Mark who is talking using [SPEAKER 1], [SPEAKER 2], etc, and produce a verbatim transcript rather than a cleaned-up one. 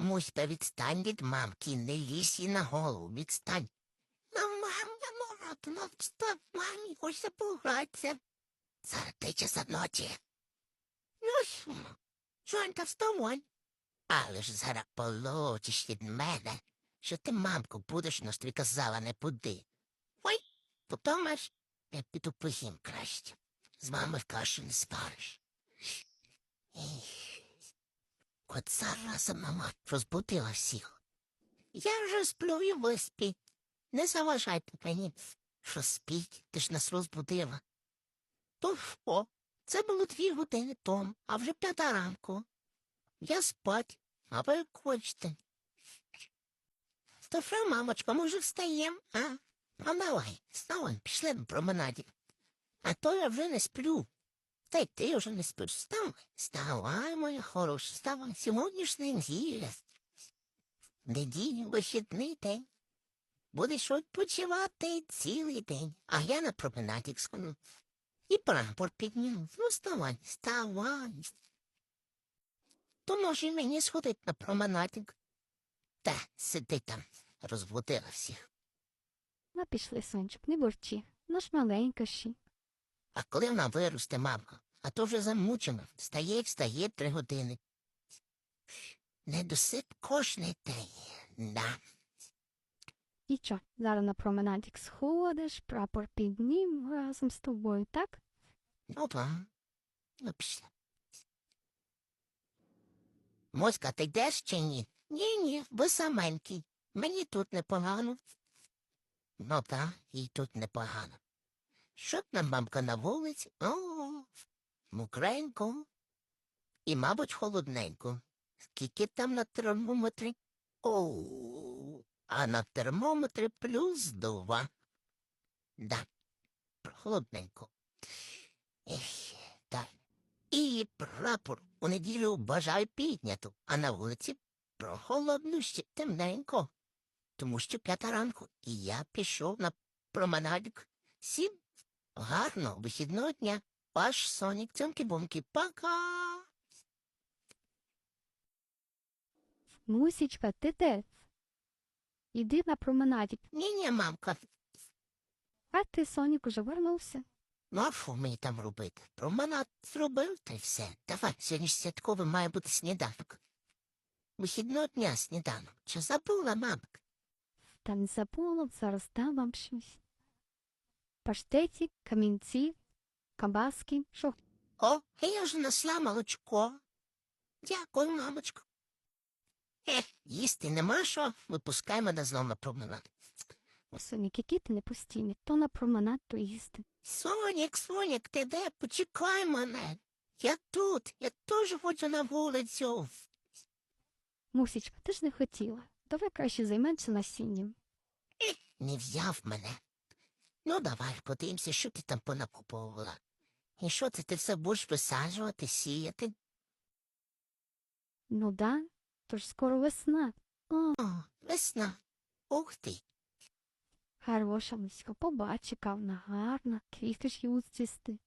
[SPEAKER 1] Муська, відстань від мамки, не лізь їй на голову, відстань. Ну, мам, я молоду, ну встав, мамі, хочеться погратися. Зараз три часа ночі. Ну, що? Жонька, вставай. Але ж зараз получиш від мене, що ти, мамку, будеш, но ж тобі казала, не буди. Ой, подумаєш, я піду поїм краще. З мамою в кашу не спариш. От зараз мама розбудила всіх. Я вже сплю і ви спіть. Не заважайте мені, що спіть, ти ж нас розбудила. То що? Це було дві години тому, а вже п'ята ранку. Я спать, а ви як хочете. То що, мамочка, може встаєм, а? А давай, вставай, пішли на променаді. А то я вже не сплю. Та й ти вже не спиш. Вставай, вставай, моя хороша, вставай. Сьогодні ж неділя. Неділя, вихідний день. Будеш відпочивати цілий день. А я на променаді сходу. І прапор підніму. Ну, вставай, вставай. То може мені сходити на променадик. Та, сиди там, розбудила всіх.
[SPEAKER 2] Ну, пішли, сончик, не бурчи. Ну ж маленька ще.
[SPEAKER 1] А коли вона виросте, мамка, а то вже замучена. Встає, встає три години. Недосип кожний день. Да.
[SPEAKER 2] І що, зараз на променадик сходиш, прапор піднім разом з тобою, так?
[SPEAKER 1] Ну, па. Ну, пішла. Моська, ти йдеш чи ні? Ні-ні, ви саменький. Мені тут непогано. Ну, та, і тут непогано. Що б нам, мамка, на вулиці? О, мокренько. І, мабуть, холодненько. Скільки там на термометрі? О, а на термометрі плюс два. Да, холодненько. Ех, так. І прапор у неділю бажаю підняту, а на вулиці прохолодно ще темненько. Тому що п'ята ранку, і я пішов на променадик. Сім. Гарно, вихідного дня. Ваш Сонік, цьомки-бомки, пока.
[SPEAKER 2] Мусічка, ти де? Іди на променадик.
[SPEAKER 1] Ні-ні, мамка,
[SPEAKER 2] А ти, Сонік, уже вернувся?
[SPEAKER 1] ну а що мені там робити? Променад зробив, та й все. Давай, сьогодні ж святковий має бути сніданок. Вихідного дня сніданок. Чи забула, мамка?
[SPEAKER 2] Та не забула, зараз дам вам щось. Паштеті, камінці, кабаски, що?
[SPEAKER 1] О, я ж несла молочко. Дякую, мамочко. Ех, їсти нема що, випускай мене знов на променад.
[SPEAKER 2] Сонік, який ти непостійний, то на променад, то їсти.
[SPEAKER 1] Сонік, Сонік, ти де? Почекай мене. Я тут, я теж хочу на вулицю.
[SPEAKER 2] Мусічка, ти ж не хотіла. Давай краще займемося насінням.
[SPEAKER 1] Ех, не взяв мене. Ну, давай, подивимося, що ти там понакуповувала. І що це ти все будеш висаджувати, сіяти?
[SPEAKER 2] Ну да, тож скоро весна. О,
[SPEAKER 1] О, весна. Ух ти.
[SPEAKER 2] хороша миська, побач, яка вона гарна, квіти ж її цвісти.